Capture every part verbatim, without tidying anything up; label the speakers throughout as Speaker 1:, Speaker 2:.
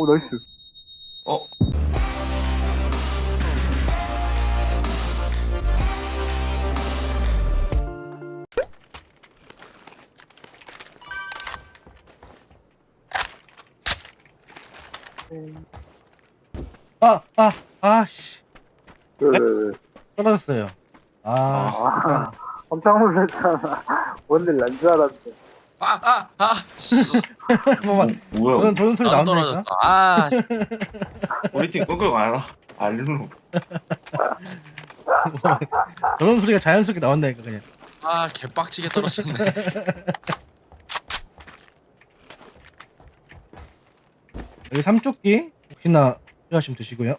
Speaker 1: 오, 나이스.
Speaker 2: 어?
Speaker 3: 아, 아, 아씨.
Speaker 1: 왜, 왜, 왜.
Speaker 3: 떨어졌어요. 아,
Speaker 1: 아, 깜짝 놀랐잖아. 뭔일 난 줄 알았는데.
Speaker 4: 아, 아, 아, 씨.
Speaker 3: 뭐만
Speaker 2: 뭐야?
Speaker 3: 저런 저런 소리
Speaker 4: 나도
Speaker 3: 나온다니까.
Speaker 4: 떨어졌어. 아, 씨.
Speaker 2: 우리 팀 끙끙 알아? 알루.
Speaker 3: 저런 소리가 자연스럽게 나온다니까 그냥.
Speaker 4: 아, 개빡치게 떨어졌네.
Speaker 3: 여기 삼쪽기 혹시나 필요하시면 드시고요.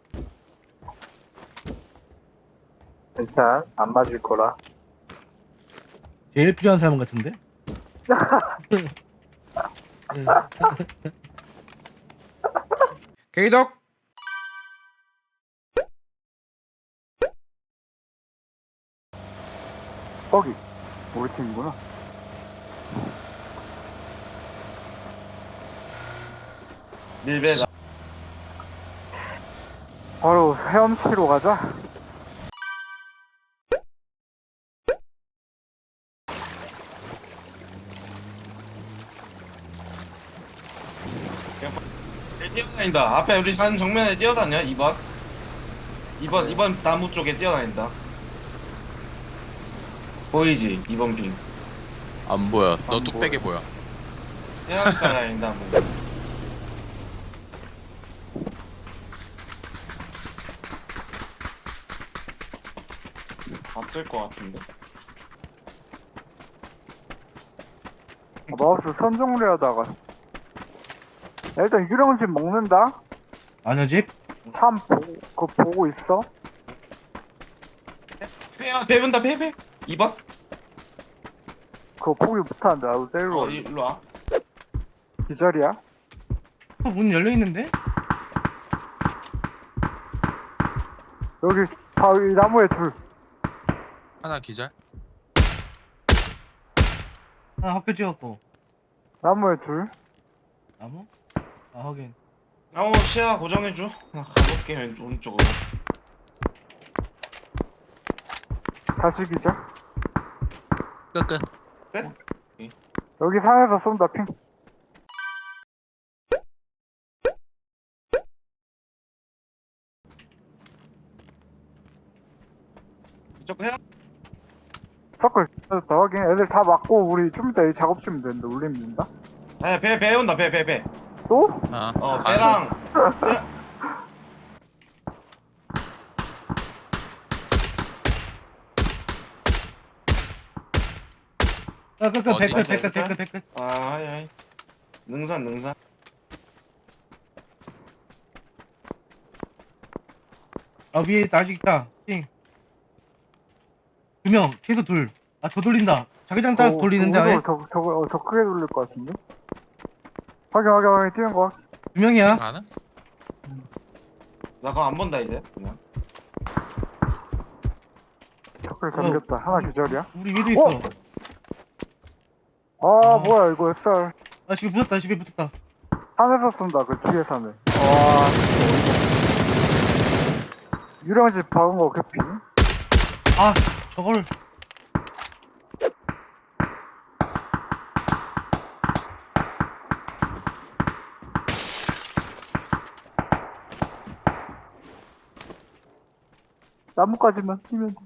Speaker 1: 일단, 안 맞을 거라.
Speaker 3: 제일 필요한 사람 같은데? 개이덕.
Speaker 1: 거기. 우리 팀이구나.
Speaker 2: 밀배가.
Speaker 1: 바로 헤엄치러 가자.
Speaker 2: 뛰어다닌다. 앞에 우리 산 정면에 뛰어다녀. 이 번. 이 번, 이 번 나무 쪽에 뛰어다닌다. 보이지? 이 번 빙.
Speaker 4: 안 보여. 너
Speaker 1: 안
Speaker 4: 뚝배기
Speaker 1: 보여.
Speaker 4: 보여.
Speaker 2: 뛰어다닌다. 뭐. 봤을 것 같은데.
Speaker 1: 아, 마우스 선정리 하다가. 야, 일단 유령집 먹는다?
Speaker 3: 아녀 집.
Speaker 1: 참 보고, 그거 보고 있어?
Speaker 2: 배야, 배분다, 배, 배. 이 번?
Speaker 1: 그거 포기 못하는데, 나도 때리러
Speaker 2: 어,
Speaker 1: 가.
Speaker 2: 일로 와.
Speaker 1: 기절이야?
Speaker 3: 어, 문 열려 있는데?
Speaker 1: 여기, 바위 나무에 둘.
Speaker 4: 하나 기절.
Speaker 3: 하나 학교 찍었고.
Speaker 1: 나무에 둘.
Speaker 3: 나무? 아 하긴.
Speaker 2: 나무 시야 고정해줘. 나 가볼게, 왼쪽, 오른쪽으로.
Speaker 1: 다시 기절.
Speaker 4: 끝, 끝.
Speaker 1: 여기 산에서 쏜다, 핑.
Speaker 2: 이쪽 해야?
Speaker 1: 서클 더 확인. 애들 다 맞고 우리 좀 이따 이 작업 치면 되는데 울리면 된다.
Speaker 2: 아, 배, 배 온다, 배, 배, 배.
Speaker 1: 또?
Speaker 4: 아,
Speaker 2: 어,
Speaker 4: 아,
Speaker 2: 배랑.
Speaker 3: 아, 끝, 끝,
Speaker 4: 어디
Speaker 3: 백끝,
Speaker 2: 있어,
Speaker 3: 백끝, 백끝, 백끝.
Speaker 2: 아, 하이, 하이. 능선, 능선.
Speaker 3: 아 위에 아직 있다. 띵. 두 명, 최소 둘. 아 더 돌린다. 자기장 따라서
Speaker 1: 어,
Speaker 3: 돌리는데 아예
Speaker 1: 더, 더, 더, 어, 더 크게 돌릴 것 같은데? 확인, 확인, 확인, 뛰는 거.
Speaker 3: 두 명이야.
Speaker 4: 가는?
Speaker 2: 나 그거 안 본다, 이제. 그냥.
Speaker 1: 서클 잠겼다. 하나 기절이야?
Speaker 3: 우리 위에도 있어.
Speaker 1: 아,
Speaker 3: 어.
Speaker 1: 뭐야, 이거 햇살.
Speaker 3: 아 집에 붙었다. 집에 붙었다.
Speaker 1: 산에서 쏜다, 그 뒤에 산에. 와, 유령집 박은 거 개피?
Speaker 3: 아 저걸.
Speaker 1: 나무까지만 뛰면 돼.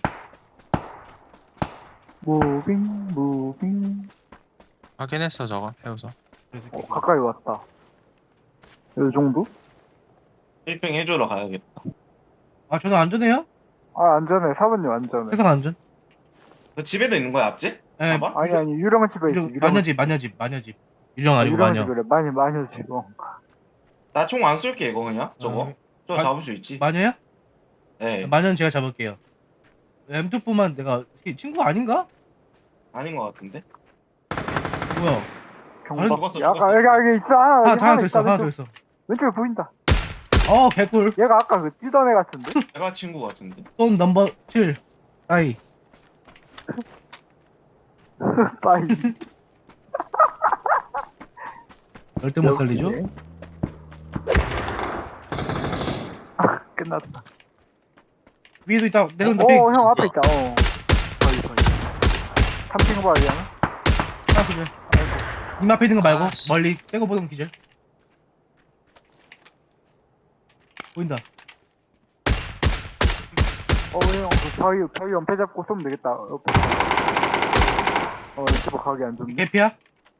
Speaker 1: 무빙, 무빙.
Speaker 4: 확인했어, 저거. 해우서.
Speaker 1: 어, 가까이 왔다. 이 정도?
Speaker 2: 힐핑 해주러 가야겠다.
Speaker 3: 아 저는 안전해요?
Speaker 1: 아, 안전해. 사번님 안전해.
Speaker 3: 세상 안전.
Speaker 2: 그 집에도 있는 거야, 앞집?
Speaker 3: 예.
Speaker 2: 사봐?
Speaker 1: 아니, 아니, 유령집에 있어.
Speaker 3: 유령, 마녀집, 마녀집, 마녀집. 유령 아니고
Speaker 1: 유령집
Speaker 3: 마녀.
Speaker 1: 그래. 많이, 많이 지금.
Speaker 2: 나 총 안 쏠게, 이거 그냥. 저거.
Speaker 3: 아,
Speaker 2: 저거
Speaker 3: 마-
Speaker 2: 잡을 수 있지.
Speaker 3: 마녀야?
Speaker 2: 예.
Speaker 3: 마녀는 제가 잡을게요. 엠투포만 내가 친구 아닌가?
Speaker 2: 아닌 것 같은데?
Speaker 3: 뭐야?
Speaker 1: 경...
Speaker 3: 아니,
Speaker 2: 죽었어,
Speaker 1: 아까
Speaker 2: 죽었어.
Speaker 1: 여기, 여기 있어. 하나,
Speaker 3: 하나
Speaker 1: 여기
Speaker 3: 더 하나 더
Speaker 1: 있다,
Speaker 3: 있어. 하나 더
Speaker 1: 왼쪽.
Speaker 3: 있어.
Speaker 1: 왼쪽에 보인다.
Speaker 3: 어 개꿀.
Speaker 1: 얘가 아까 그 뛰던 애 같은데?
Speaker 2: 내가 친구 같은데?
Speaker 3: 돈 넘버 칠. 아이.
Speaker 1: 빠이.
Speaker 3: 절대 못 살리죠?
Speaker 1: 역시. 끝났다.
Speaker 3: 위에도 있다. 내려온다.
Speaker 1: 어,
Speaker 3: 핑.
Speaker 1: 어, 형 앞에 있다. 어. 거기, 거기. 삼핑 바위 하나?
Speaker 3: 하나 기절. 님 앞에 있는 거 말고
Speaker 4: 아, 씨.
Speaker 3: 멀리 빼고 보는 거 기절. 보인다.
Speaker 1: 어, 형, 그 바위, 바위 연패 잡고 쏘면 되겠다. 옆에. 어, 이거 가기 안 좋네.
Speaker 3: 개피야?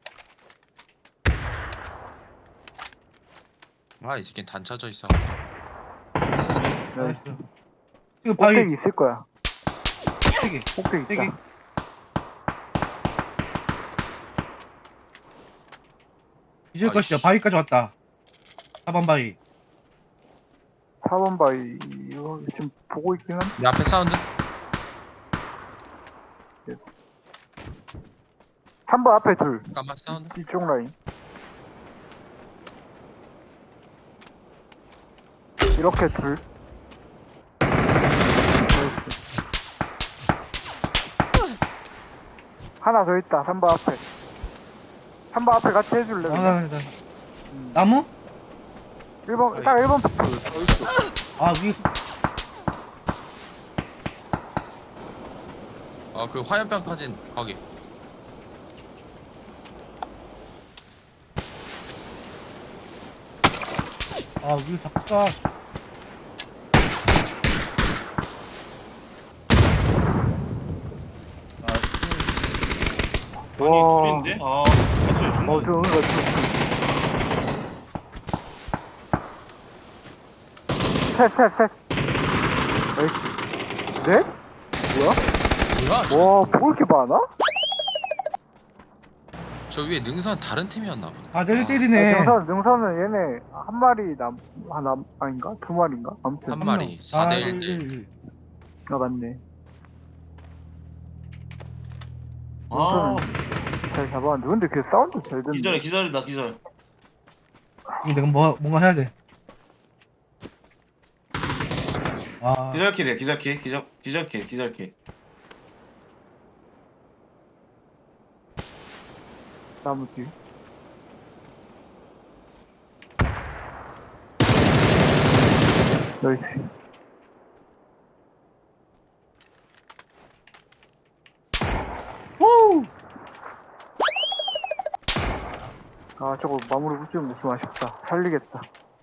Speaker 4: 아, 이 새끼 단차져 있어.
Speaker 3: 나이스.
Speaker 1: 나이스.
Speaker 3: 지금 바위
Speaker 1: 꼭대기 있을 거야.
Speaker 3: 세 개.
Speaker 1: 꼭대기
Speaker 3: 세 개.
Speaker 1: 있다.
Speaker 3: 기절
Speaker 4: 아이씨.
Speaker 3: 것이야. 바위까지 왔다. 사 번 바위.
Speaker 1: 사 번 바위, 이거 지금 보고 있긴 한데.
Speaker 4: 내 앞에 사운드?
Speaker 1: 삼 번 앞에 둘.
Speaker 4: 잠깐만, 사운드.
Speaker 1: 이쪽 라인. 이렇게 둘. 나이스. 하나 더 있다. 삼 번 앞에. 삼 번 앞에 같이 해줄래?
Speaker 3: 아,
Speaker 1: 그냥?
Speaker 3: 나,
Speaker 1: 음.
Speaker 3: 나무?
Speaker 1: 일 번, 딱 일 번 피플. 더 있어.
Speaker 3: 아, 위.
Speaker 4: 어, 그 화염병 파진 거기.
Speaker 3: 아, 위 바꿔.
Speaker 2: 아니
Speaker 1: 와.
Speaker 2: 둘인데? 아 됐어요 존나
Speaker 1: 어, 저, 이거 좀. 셋, 셋, 셋. 나이스. 넷? 뭐야?
Speaker 4: 뭐야? 저,
Speaker 1: 와, 뭐 이렇게 많아?
Speaker 4: 저 위에 능선 다른 팀이었나 보다.
Speaker 3: 아, 내일
Speaker 1: 아,
Speaker 3: 때리네.
Speaker 1: 능선, 능선은 얘네 한 마리 남, 하나, 아닌가? 두 마리인가? 아무튼.
Speaker 4: 한 마리. 사 대 일 대 일.
Speaker 3: 일.
Speaker 1: 아, 맞네.
Speaker 2: 아
Speaker 1: 잘 잡았는데. 근데 그 사운드 잘 듣네.
Speaker 2: 기절해 기절이다 기절
Speaker 3: 이거 내가 뭐, 뭔가 해야 돼. 아,
Speaker 2: 기절킬이야 기절킬 기절 기절킬 기절킬
Speaker 1: 나무 뒤. 나이스.
Speaker 3: 오!
Speaker 1: 아, 저거 마무리 붙이는 거 좀 아쉽다. 살리겠다.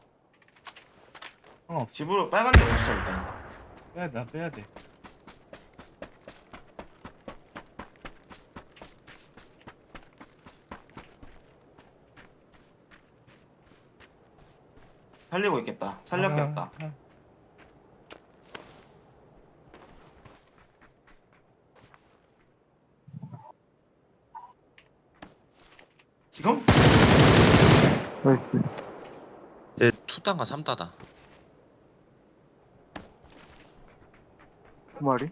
Speaker 2: 집으로 빨간 데 없어 일단
Speaker 3: 빼야 돼, 빼야 돼.
Speaker 2: 살리고 있겠다 살렸게
Speaker 3: 아,
Speaker 2: 없다
Speaker 3: 아.
Speaker 2: 지금?
Speaker 1: 나이스.
Speaker 4: 이 단과 삼 단다.
Speaker 1: 두 마리.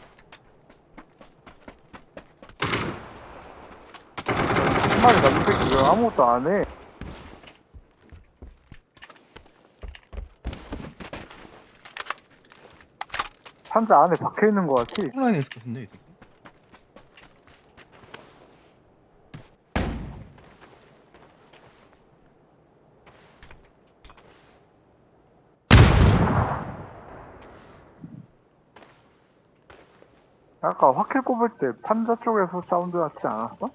Speaker 1: 한 마리 남은 새끼 왜 아무것도 안 해? 상자 안에 박혀 있는 거 같지?
Speaker 3: 온라인에 있을 것 같은데, 이 새끼.
Speaker 1: 아까 화킬 꼽을 때 판자 쪽에서 사운드 났지 않았어?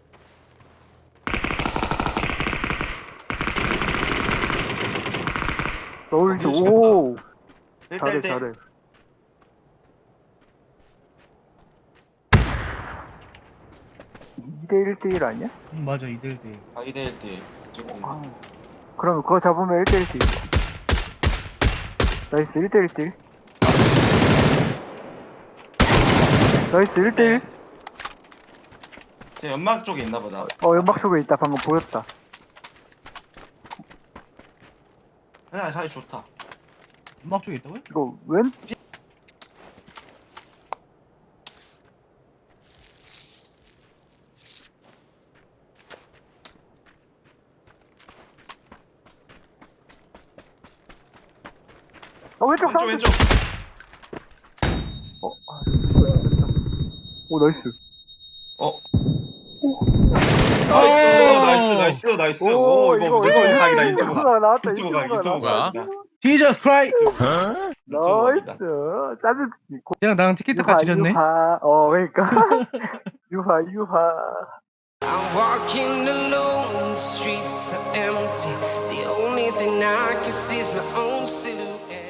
Speaker 1: 너울지
Speaker 2: 어,
Speaker 1: 오 잘해
Speaker 2: 일대 일 대
Speaker 1: 잘해. 이 대 일 대 일 아니야?
Speaker 3: 음, 맞아, 이 대 일 대 일.
Speaker 2: 아 이 대 일 대
Speaker 1: 아, 그러면 그거 잡으면 일 대 일 대 일. 나이스 일 대 일 대 일. 나이스 일 대 일.
Speaker 2: 제 연막 쪽에 있나 보다
Speaker 1: 어 연막 속에 있다. 방금 보였다.
Speaker 2: 그냥 사이 좋다
Speaker 3: 음악 쪽에 있다고요?
Speaker 1: 이거 왼? 어 왼쪽
Speaker 2: 왼쪽
Speaker 1: 사운드.
Speaker 2: 왼쪽
Speaker 1: 어, 아, 됐다. 오 나이스.
Speaker 2: 어
Speaker 1: 오.
Speaker 2: 나이스 나이스 나이스 나이스 오 이거
Speaker 1: 이거,
Speaker 2: 유튜브
Speaker 1: 이거
Speaker 2: 각이다
Speaker 1: 유튜브
Speaker 2: 유튜브
Speaker 1: 각 나왔다.
Speaker 2: 유튜브
Speaker 1: 유튜브
Speaker 2: 각
Speaker 1: 각
Speaker 2: 유튜브
Speaker 1: 나왔다.
Speaker 4: 뭐야?
Speaker 2: 각이다
Speaker 3: 지저스 크라이.
Speaker 1: 나이스. 짜증.
Speaker 3: 쟤랑 나랑 티켓트까지 지렸네.
Speaker 1: 유하. 어, 그러니까. 유하, 유하.
Speaker 5: I'm walking alone, the streets are empty. The only thing I can see is my own silhouette.